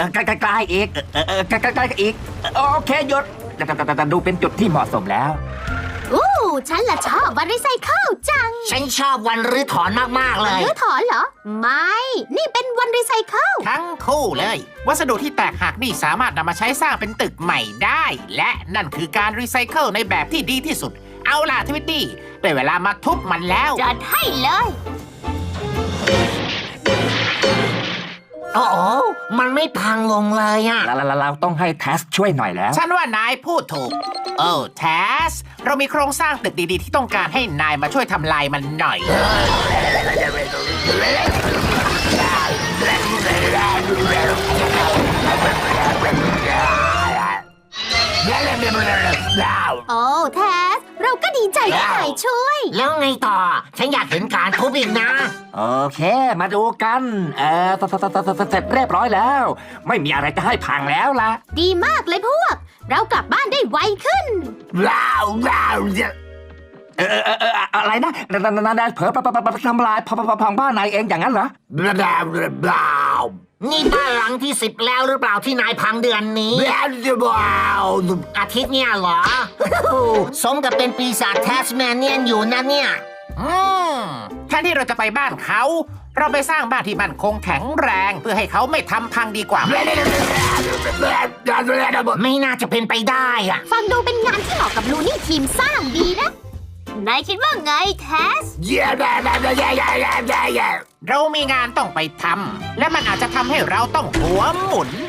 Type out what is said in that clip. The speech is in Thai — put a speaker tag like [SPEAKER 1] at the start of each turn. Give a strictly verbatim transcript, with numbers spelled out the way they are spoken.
[SPEAKER 1] ใกล้ๆอีกเออใกล้ๆอีกโอเคหยุดดูเป็นจุดที่เหมาะสมแล้ว
[SPEAKER 2] อู้ฉันละชอบวันรีไซเคิลจัง
[SPEAKER 3] ฉันชอบวันรื้อถอนมากๆเลย
[SPEAKER 2] รื้อถอนเหรอ ไม่ นี่เป็นวันรีไซเคิล
[SPEAKER 4] ทั้งคู่เลย วัสดุที่แตกหักนี่สามารถนำมาใช้สร้างเป็นตึกใหม่ได้ และนั่นคือการรีไซเคิลในแบบที่ดีที่สุด เอาล่ะทวิตตี้ได้เวลามาทุบมันแล้ว
[SPEAKER 2] จัดให้เลย
[SPEAKER 3] โอ้โหมันไม่พังลงเลยอ่ะ
[SPEAKER 1] เราเราต้องให้แทสช่วยหน่อยแล้ว
[SPEAKER 4] ฉันว่านายพูดถูก โอ้แทส เรามีโครงสร้างตึกดีๆที่ต้องการให้นายมาช่วยทำลายมันหน่อย
[SPEAKER 2] โอ้แทส เราก็ดีใจที่นายช่วย
[SPEAKER 3] แล้วไงต่อ ฉันอยากเห็นการทุบอีกนะ
[SPEAKER 1] โอเค มาดูกัน เออเสร็จเรียบร้อยแล้ว ไม่มีอะไรจะให้พังแล้วล่ะ
[SPEAKER 2] ดีมากเลยพวก เรากลับบ้านได้ไวขึ้น
[SPEAKER 1] ว้าวว้าวเออเออเอออะไรนะนานนายเผลอทำลายพังบ้านนายเองอย่างนั้นเหรอ
[SPEAKER 3] นี่บ้านหลังที่สิบแล้วหรือเปล่าที่นายพังเดือนนี้ อาทิตย์เนี่ยเหรอ สมกับเป็นปีศาจแทสแมนเนียนอยู่นะเนี่ย
[SPEAKER 4] อืมแทนที่เราจะไปบ้านเขา เราไปสร้างบ้านที่มั่นคงแข็งแรง เพื่อให้เขาไม่ทำพังดีกว่า
[SPEAKER 3] ไม่น่าจะเป็นไปได้อะ
[SPEAKER 2] ฟังดูเป็นงานที่เหมาะกับลูนี่ทีมสร้างดีนะ นายคิดว่าไงแทส
[SPEAKER 4] เรามีงานต้องไปทำ และมันอาจจะทำให้เราต้องหัวหมุน